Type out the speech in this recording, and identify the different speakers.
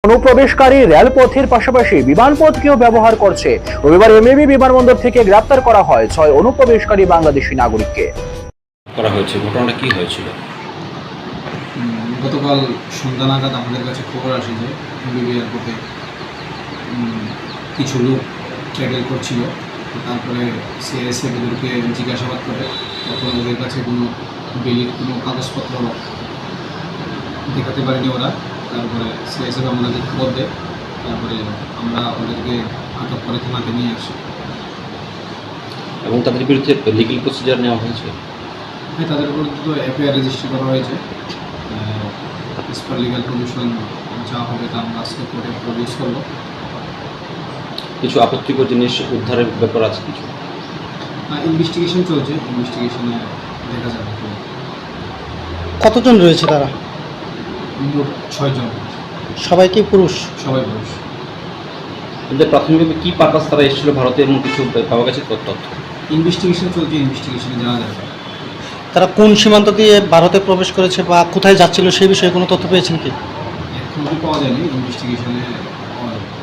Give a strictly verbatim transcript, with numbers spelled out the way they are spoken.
Speaker 1: অনুপ্রবেশকারী রেলপথের পাশাপাশি বিমানপথকেও ব্যবহার করছে। রবিবার এমএবি বিমানবন্দর থেকে গ্রেপ্তার করা হয় ছয় অনুপ্রবেশকারী বাংলাদেশি নাগরিককে।
Speaker 2: করা হয়েছে, ঘটনাটা কি হয়েছিল?
Speaker 3: গতকাল সন্ধ্যা নাগাদ আমাদের কাছে খবর আসে যে এমবিবি এয়ারপোর্টে কিছু লোক ট্রাভেল করছিল। তারপরে সিআইএসএফ ওদেরকে জিজ্ঞাসাবাদ করে, তখন ওদের কাছে কোনো বেলির কোনো কাগজপত্র দেখাতে পারেনি ওরা। তারপরে সিআইএসএফ আমাদের খবর দেয়, তারপরে আমরা ওদেরকে আটক করে থানাতে নিয়ে আসি
Speaker 2: এবং তাদের বিরুদ্ধে লিগ্যাল প্রসিজার নেওয়া হয়েছে।
Speaker 3: হ্যাঁ, তাদের বিরুদ্ধে তো এফআইআর রেজিস্টার করা হয়েছে। এস পার লিগাল প্রভিশন যা হবে তা আমরা আজকে কোর্টে প্রডিউস করবো।
Speaker 2: কিছু আপত্তিকর জিনিস উদ্ধারের ব্যাপার আছে কিছু?
Speaker 3: ইনভেস্টিগেশন চলছে, ইনভেস্টিগেশনে দেখা যাবে।
Speaker 4: কতজন রয়েছে তারা?
Speaker 3: মোট ছয়জন,
Speaker 4: সবাই কি পুরুষ?
Speaker 3: সবাই পুরুষ।
Speaker 2: কিন্তু প্রাথমিকভাবে কী পারপাস তারা এসেছিল ভারতে এবং কিছু পাওয়া গেছে তথ্য?
Speaker 3: ইনভেস্টিগেশন চলছে, ইনভেস্টিগেশনে জানা যাবে।
Speaker 4: তারা কোন সীমান্ত দিয়ে ভারতে প্রবেশ করেছে বা কোথায় যাচ্ছিল সেই বিষয়ে কোনো তথ্য পেয়েছেন কি?
Speaker 3: এখন কি পাওয়া যায়নি, ইনভেস্টিগেশনে পাওয়া যাবে।